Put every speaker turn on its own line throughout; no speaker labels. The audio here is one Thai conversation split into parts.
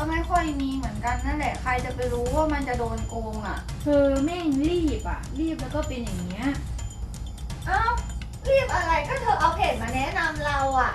ไม่ค่อยมีเหมือนกันนั่นแหละใครจะไปรู้ว่ามันจะโดนโกงอ่ะ
เธอแม่งรีบอ่ะรีบแล้วก็เป็นอย่างเงี้ย
อ้าวรีบอะไรก็เธอเอาเพจมาแนะนำเราอ่ะ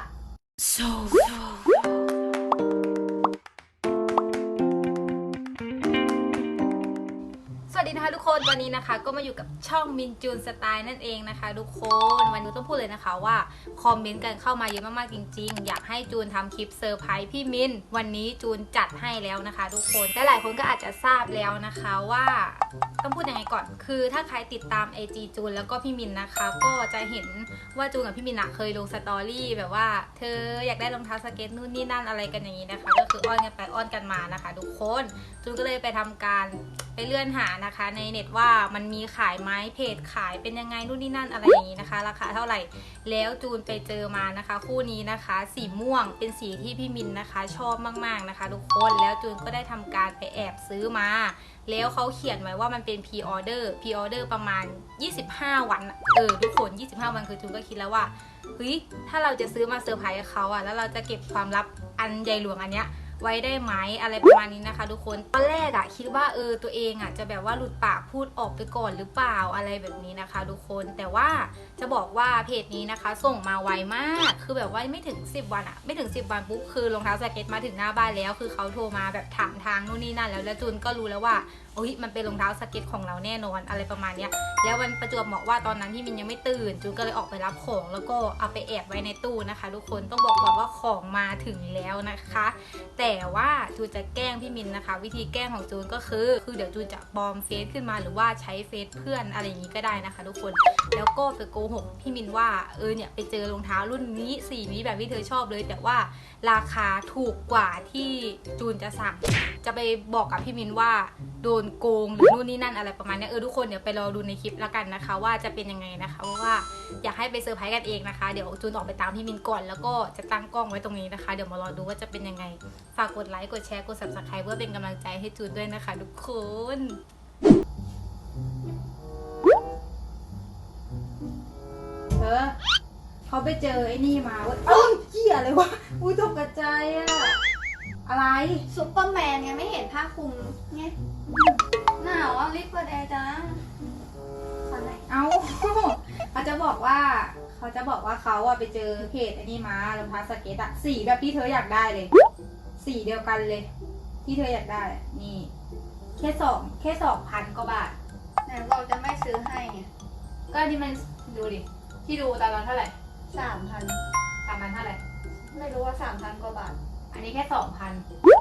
สวัสดีนะคะทุกคนตอนนี้นะคะก็มาอยู่กับช่องมินจูนสไตล์นั่นเองนะคะทุกคนวันนี้ต้องพูดเลยนะคะว่าคอมเมนต์กันเข้ามาเยอะมากๆจริงๆอยากให้จูนทำคลิปเซอร์ไพรส์พี่มินวันนี้จูนจัดให้แล้วนะคะทุกคนและหลายคนก็อาจจะทราบแล้วนะคะว่าต้องพูดยังไงก่อนคือถ้าใครติดตาม IG จูนแล้วก็พี่มินนะคะก็จะเห็นว่าจูนกับพี่มินเคยลงสตอรี่แบบว่าเธออยากได้รองเท้าสเก็ตนู่นนี่นั่นอะไรกันอย่างนี้นะคะก็คืออ้อนกันไปอ้อนกันมานะคะทุกคนจูนก็เลยไปทำการไปเลื่อนหานะคะในเน็ตว่ามันมีขายไหมเพจขายเป็นยังไงนู่นนี่นั่นอะไรอย่างนี้นะคะราคาเท่าไหร่แล้วจูนไปเจอมานะคะคู่นี้นะคะสีม่วงเป็นสีที่พี่มินนะคะชอบมากๆนะคะทุกคนแล้วจูนก็ได้ทำการไปแอบซื้อมาแล้วเขาเขียนไว้ว่ามันเป็น pre order ประมาณ25 วันทุกคน25 วันคือจูนก็คิดแล้วว่าเฮ้ยถ้าเราจะซื้อมาเซอร์ไพรส์เขาแล้วเราจะเก็บความลับอันใหญ่หลวงอันเนี้ยไว้ได้ไหมอะไรประมาณนี้นะคะทุกคนตอนแรกคิดว่าตัวเองจะแบบว่าหลุดปากพูดออกไปก่อนหรือเปล่าอะไรแบบนี้นะคะทุกคนแต่ว่าจะบอกว่าเพจนี้นะคะส่งมาไวมากคือแบบว่าไม่ถึง10 วันไม่ถึง10 วันปุ๊บคือรองเท้าสเก็ตมาถึงหน้าบ้านแล้วคือเขาโทรมาแบบถามทางนู่นนี่นั่นแล้วจูนก็รู้แล้วว่ามันเป็นรองเท้าสเก็ตของเราแน่นอนอะไรประมาณเนี้ยแล้ววันประจวบเหมาะว่าตอนนั้นพี่มินยังไม่ตื่นจูนก็เลยออกไปรับของแล้วก็เอาไปแอบไว้ในตู้นะคะทุกคนต้องบอกก่อนว่าของมาถึงแล้วนะคะแต่ว่าจูนจะแกล้งพี่มินนะคะวิธีแกล้งของจูนก็คือเดี๋ยวจูนจะปลอมเฟซขึ้นมาหรือว่าใช้เฟซเพื่อนอะไรอย่างนี้ก็ได้นะคะทุกคนแล้วก็ไปโกหกพี่มินว่าเนี่ยไปเจอรองเท้ารุ่นนี้สีนี้แบบที่เธอชอบเลยแต่ว่าราคาถูกกว่าที่จูนจะสั่งจะไปบอกกับพี่มินว่าโดนโกงหรือนู่นนี่นั่นอะไรประมาณนี้ทุกคนเดี๋ยวไปรอดูในคลิปแล้วกันนะคะว่าจะเป็นยังไงนะคะเพราะว่าอยากให้ไปเซอร์ไพรส์กันเองนะคะเดี๋ยวจูนออกไปตามพี่มินก่อนแล้วก็จะตั้งกล้องไว้ตรงนี้นะคะเดี๋ยวมารอดูว่าจะเป็นยังไงฝากกดไลค์กดแชร์กด Subscribe เพื่อเป็นกำลังใจให้จูนด้วยนะคะทุกคน
เขาไปเจอไอ้นี่มาเว้ยเหี้ยอะไรวะตกใจอะไร
ซุปเปอร์แมนไงไม่เห็นผ้าคลุมไงหนาวรีบเปิดแอร์จังอะไร
เขาจะบอกว่าเขาไปเจอเพจไอ้นี่มารองเท้าสเก็ตสีแบบที่เธออยากได้เลยสีเดียวกันเลยที่เธออยากได้นี่แค่2,000 กว่าบาท
ไหนบอกจะไม่ซื้อให้ไง
ก็ที่มันดูดิที่ดูตอนนั้นเท่าไหร่
3,000
เท่าไหร่
ไม่รู้ว่า3,000 กว่าบาท
อันนี้แค่2,000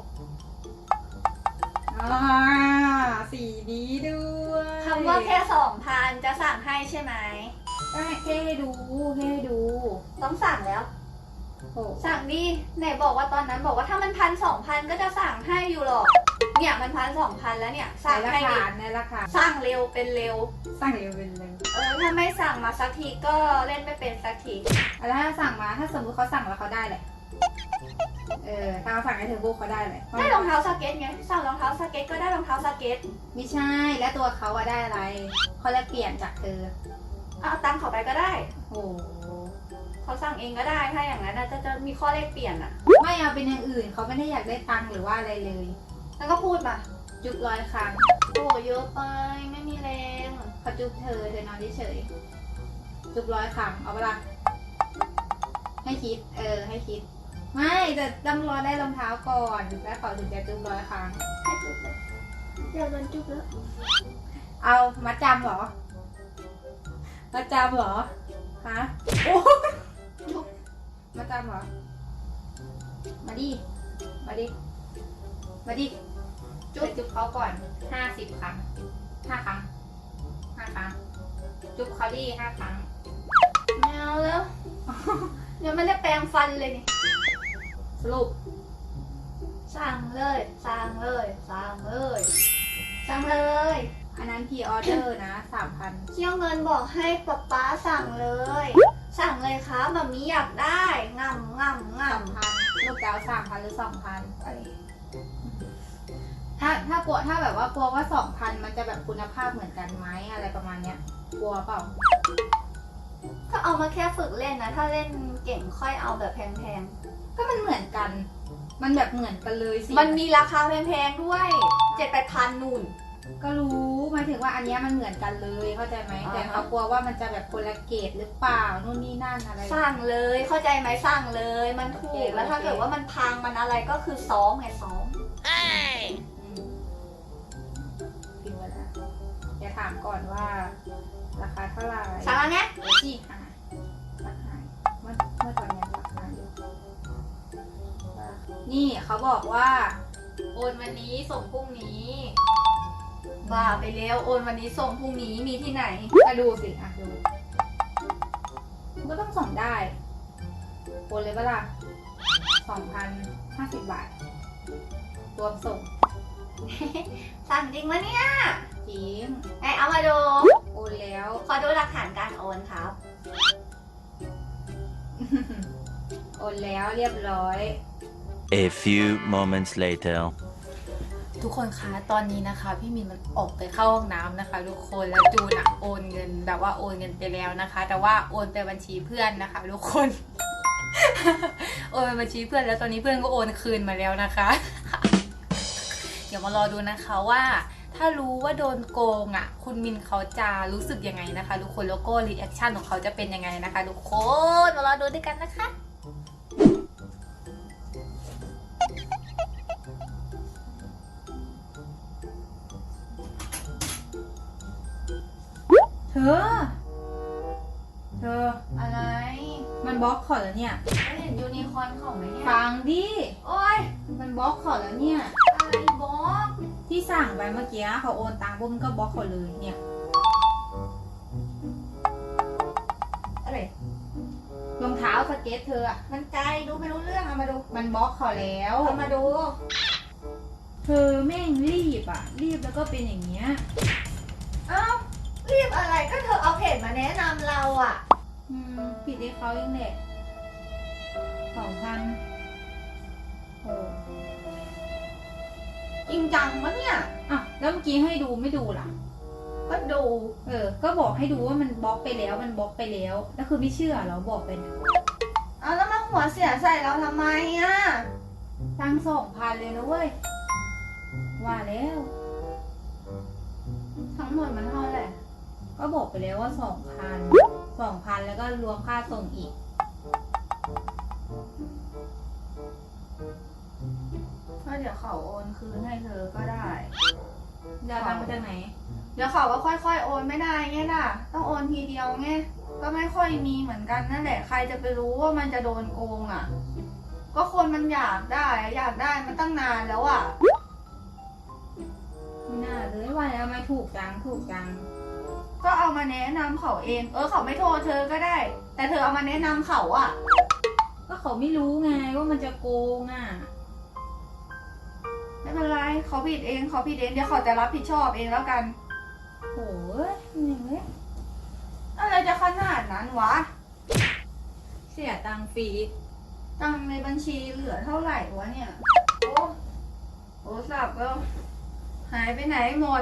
สีนี้ด้วย
คำว่าแค่ 2,000 จะสั่งให้ใช่ไหม
ก็แค่ให้ดู
ต้องสั่งแล้วสั่งดิไหนบอกว่าตอนนั้นบอกว่าถ้ามัน1,000-2,000ก็จะสั่งให้อยู่หรอกเนี่ยมัน1,000-2,000แล้วเนี่ยสั่งให้ดิ
ในราคา
สั่งเร็วเป็นเร็วถ้าไม่สั่งมาสักทีก็เล่นไม่เป็นสักที
แล้วถ้าสั่งมาถ้าสมมติเขาสั่งแล้วเขาได้เลยถ้าเขาสั่งให้เธอบุ๊กเขาได้เลย
ได้รองเท้าสเก็ตไงสั่งรองเท้าสเก็ตก็ได้รองเท้าสเก็ต
ไม่ใช่แล้วตัวเขาได้อะไรเขาแลกเปลี่ยนจากเธอ
เอาตังค์เขาไปก็ได้
โอ้
เขาสั่งเองก็ได้ถ้าอย่างนั้นจะมีข้อเลขเปลี่ยน
ไม่เอาเป็นอย่างอื่นเขาไม่ได้อยากได้ตังค์หรือว่าอะไรเลย
แล้วก็พูดมา
จุ๊บ100 ครั้ง
โอ้เยอะไปไม่มีแรง
เขาจุ๊บเธอนอนเฉยจุ๊บ100 ครั้งเอาเวลาให้คิดให้คิดไม่แต่ต้องรอได้รองเท้าก่อนแล้วเขาถึงจะจุ๊บ100 ครั้ง
ให้จุ๊บเลยเดี๋ยวโดนจุ๊บแล้ว
เอามัดจำเหรอฮะโอ้จุ๊บมัดจำเหรอมาดิจุ๊บเขาก่อน50 ครั้ง5 ครั้งจุ๊บเขาดิ5 ครั้ง
ไม่เอาแล้วยังไม่ได้แปรงฟันเลยนี่
สรุป
สั่งเลย
อันนั้นพรีออเดอร์นะ3,000
เชี่ยวเงินบอกให้ป๊าสั่งเลยครับแบบนี้อยากได้ง่
3,000ลูกเจ้า3,000หรือ2,000ถ้าแบบว่ากลัวว่า 2,000 มันจะแบบคุณภาพเหมือนกันไหมอะไรประมาณเนี้ยกลัวเปล่า
ก็เอามาแค่ฝึกเล่นนะถ้าเล่นเก่งค่อยเอาแบบแพง
ก็มันเหมือนกันมันแบบเหมือนกันเลยสิ
มันมีราคาแพงๆด้วย7-8 พันนู่น
ก็รู้หมายถึงว่าอันเนี้ยมันเหมือนกันเลยเข้าใจไหม
อ่าฮะ
แต่เขากลัวว่ามันจะแบบคนละเกรดหรือเปล่านู่นนี่นั่นอะไร
สั่งเลยเข้าใจไหมสั่งเลยมันถู
โอเค
กแล้วถ้า
โอเค
เกิดว่ามันพังมันอะไรก็คือซ้อมไงซ้อม
อืมพิมพ์ไว้แล้วเดี๋ยวถามก่อนว่า ราคาเท่าไหร่
สั่งแล้วไง
ที่หาราคาเมื่อตอนนี้ราคาอยู่นี่เขาบอกว่า โอนวันนี้ส่งพรุ่งนี้
บ้าไปแล้วโอนวันนี้ส่งพรุ่งนี้มีที่ไหน
มาดูสิอ่ะดูก็ต้องส่งได้โอนเลยปะล่ะ2,050 บาท รวมส่ง
สั่งจริงมะเนี่ย
จริง
ไหนเอามาดู
โอนแล้ว
ขอดูหลักฐานการโอนครับ
โอนแล้วเรียบร้อย
A few moments later.
ทุกคนคะตอนนี้นะคะ พี่มินมันออกไปเข้าห้องน้ำนะคะ ทุกคนแล้วจูนอะโอนเงินแบบว่าโอนเงินไปแล้วนะคะ แต่ว่าโอนไปบัญชีเพื่อนนะคะ ทุกคน โอนไปบัญชีเพื่อนแล้วตอนนี้เพื่อนก็โอนคืนมาแล้วนะคะ เดี๋ยวมารอดูนะคะว่า ถ้ารู้ว่าโดนโกงอ่ะ คุณมินเขาจะรู้สึกยังไงนะคะ ทุกคนแล้วก็รีแอคชั่นของเขาจะเป็นยังไงนะคะ ทุกคนมารอดูด้วยกันนะคะ
เธอ
อะไร
มันบล็อกขอแล้วเนี่ย
ไม่เห็นยูนิคอร์นของไหมเนี่ย
ฟังดิ
โอ้ย
มันบล็อกขอแล้วเนี่ย
อะไรบอก
ที่สั่งไปเมื่อกี้เขาโอนตังค์ปุ๊บมันก็บล็อกเขาเลยเนี่ย
อะไร
รองเท้าสเก็ตเธออะ
มันไกลดูไม่รู้เรื่องเอามาดู
มันบล็อกเขาแล้ว
เอามาดู
เธอแม่งรีบอะรีบแล้วก็เป็นอย่างเงี้ย
เอ้ารีบอะไรก็เธอเอาเพจมาแนะนำเราอ่ะ
ผิดให้เขายังแหละ2,000โอ้
จริงจังมะเนี่ย
อ่ะแล้วเมื่อกี้ให้ดูไม่ดูล่ะ
ก็ดู
ก็บอกให้ดูว่ามันบล็อกไปแล้วมันบล็อกไปแล้วแล้วคือไม่เชื่อเราบอกไปนะ
เอาแล้วมาหัวเสียใส่เราทำไมอ่ะ
ตั้ง2,000เลยนะเว้ยว่าแล้ว
ทั้งหมดมันเท่าไหร่
ก็บอกไปแล้วว่า2,000แล้วก็รวมค่าส่งอีก
ก็เดี๋ยวเขาโอนคืนให้เธอก็ได้
จะเอาตังค์มาจากไหน
เดี๋ยวเขาว่าค่อยๆโอนไม่ได้ไงล่ะ ต้องโอนทีเดียวไง ก็ไม่ค่อยมีเหมือนกันนั่นแหละ ใครจะไปรู้ว่ามันจะโดนโกงอ่ะ ก็คนมันอยากได้อะอยากได้มันตั้งนานแล้วอ่ะ
ไม่น่าเลยว่าแล้วไม่ถูกจัง
ก็เอามาแนะนำเขาเอง เขาไม่โทรเธอก็ได้ แต่เธอเอามาแนะนำเขาอ่ะ
ก็เขาไม่รู้ไงว่ามันจะโกงอ่ะ
ไม่เป็นไรเขาผิดเองเขาผิดเองเดี๋ยวเขาจะรับผิดชอบเองแล้วกัน
โหยอย่างเงี้ย
อะไรจะขนาดนั้นวะ
เสียตังค์ฟรี
ตังค์ในบัญชีเหลือเท่าไหร่วะเนี่ย โอ้สับแล้วหายไปไหนหมด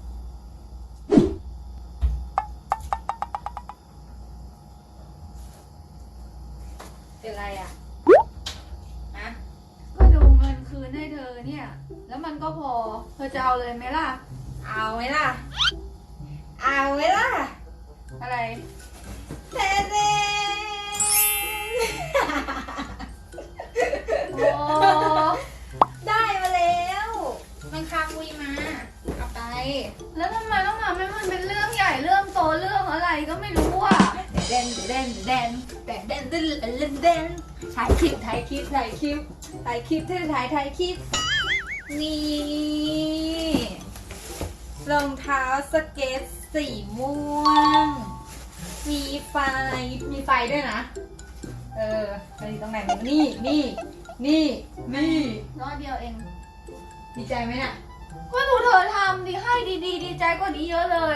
เป็นไรอ่ะฮะ
ก็ดูเงินคืนให้เธอเนี่ย แล้วมันก็พอ เธอจะเอาเลยไหมล่ะ
เอาไหมล่ะ เอาไหมล่ะ
อะไร
เต้เต้
โอ้
ได้มาแล้ว มันคาคุยมา เอาไป
แล้วทำไมต้องทำให้มันเป็นเรื่องใหญ่เรื่องโตเรื่องอะไรก็ไม่รู้อ่ะ
เด่นถ่ายคลิปถ่ายคลิปเธอถ่ายคลิป นี่รองเท้าสเก็ตสีม่วง มีไฟด้วยนะ ไปตรงไหนนี่
รอบเดียวเอง
ดีใจไหมน่ะ
ก็ดูเธอทำดีให้ดีๆดีใจกว่านี้เยอะเลย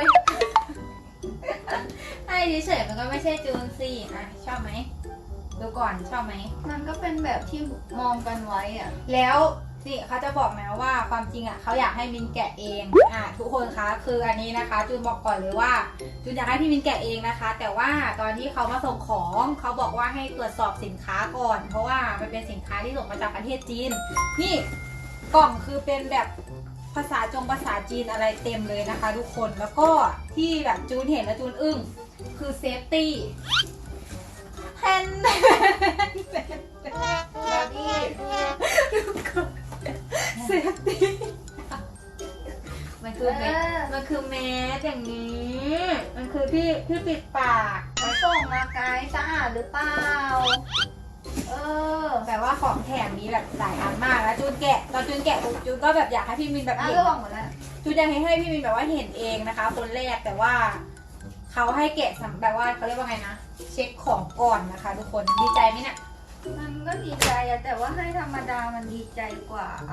ให้เฉยๆมันก็ไม่ใช่จูนสิอ่ะชอบไหมดูก่อนชอบไหม
มันก็เป็นแบบที่มองกันไว้อ่ะ
แล้วนี่เขาจะบอกนะว่าความจริงอ่ะเขาอยากให้มินแกะเองทุกคนคะคืออันนี้นะคะจูนบอกก่อนเลยว่าจูนอยากให้พี่มินแกะเองนะคะ แต่ว่าตอนที่เขามาส่งของเขาบอกว่าให้ตรวจสอบสินค้าก่อน เพราะว่ามันเป็นสินค้าที่ส่งมาจากประเทศจีนนี่กล่องคือเป็นแบบภาษาจีนอะไรเต็มเลยนะคะ ทุกคนแล้วก็ที่แบบจูนเห็นแล้วจูนอึ้งคือเซฟตี้แฮนด์
แล้วนี่
เซฟตี้มันคือแมสอย่างนี้มันคือที่ปิดปาก
เขาส่งมาไกลสะอาดหรือเปล่า
แต่ว่าของแถมมีแบบหลายอันมากแล้วจูนแกะตอนจูนแกะปุ๊บจูนก็แบบอยากให้พี่มินแบบเห็น
ร่วงหมดแล้ว
จูนอยากให้พี่มินแบบว่าเห็นเองนะคะ คนแรกแต่ว่าเขาให้แกะแบบว่าเขาเรียกว่าไงนะเช็คของก่อนนะคะ ทุกคนดีใจไหมเนี่ย
มันก็ดีใจอะแต่ว่าให้ธรรมดามันดีใจกว่าอะ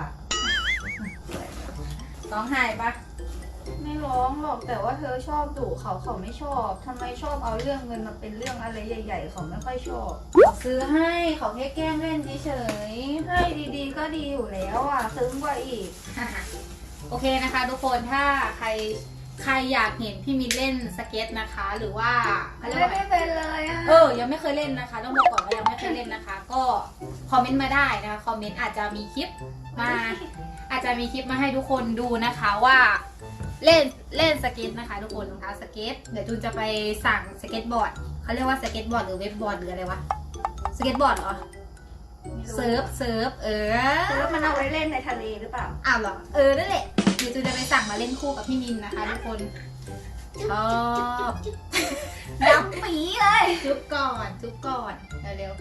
ร้องไห้ปะ
ไม่ร้องหรอกแต่ว่าเธอชอบดุเขาไม่ชอบทำไมชอบเอาเรื่องเงินมาเป็นเรื่องอะไรใหญ่ๆเขาไม่ค่อยชอบ
ซื้อให้เขาแค่แกล้งเล่นเฉย
ให้ดีๆก็ดีอยู่แล้วอ่ะซึ้งกว่าอีก
ๆ โอเคนะคะ ทุกคนถ้าใครอยากเห็นพี่มินเล่นสเก็ตนะคะ หรือว่าเขาเรียกว่า
ไม่เป็นเลยอ่ะ
ยังไม่เคยเล่นนะคะ ต้องบอกก่อนว่ายังไม่เคยเล่นนะคะ ก็คอมเมนต์มาได้นะคะคอมเมนต์อาจจะมีคลิปมาให้ทุกคนดูนะคะว่าเล่นสเก็ตนะคะ ทุกคนรองเท้าสเก็ตเดี๋ยวจูนจะไปสั่งสเก็ตบอร์ดเขาเรียกว่าสเก็ตบอร์ดหรือเว็บบอร์ดหรืออะไรวะสเก็ตบอร์ดเหรอเซิร์ฟ
แล้วมันเอาไว้เล่นในทะเลหรือเปล่า
อ้าวเหรอนั่นแหละเดี๋ยวจูนจะไปสั่งมาเล่นคู่กับพี่มินนะคะ ทุกคนชอบ
ดำปีเลย
จุ๊บก่อนเร็ว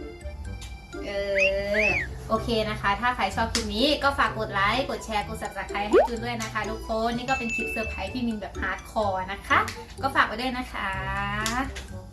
โอเคนะคะ ถ้าใครชอบคลิปนี้ก็ฝากกดไลค์กดแชร์กด subscribe ให้จูนด้วยนะคะ ทุกคนนี่ก็เป็นคลิปเซอร์ไพรส์พี่มินแบบฮาร์ดคอร์นะคะก็ฝากไว้ด้วยนะคะ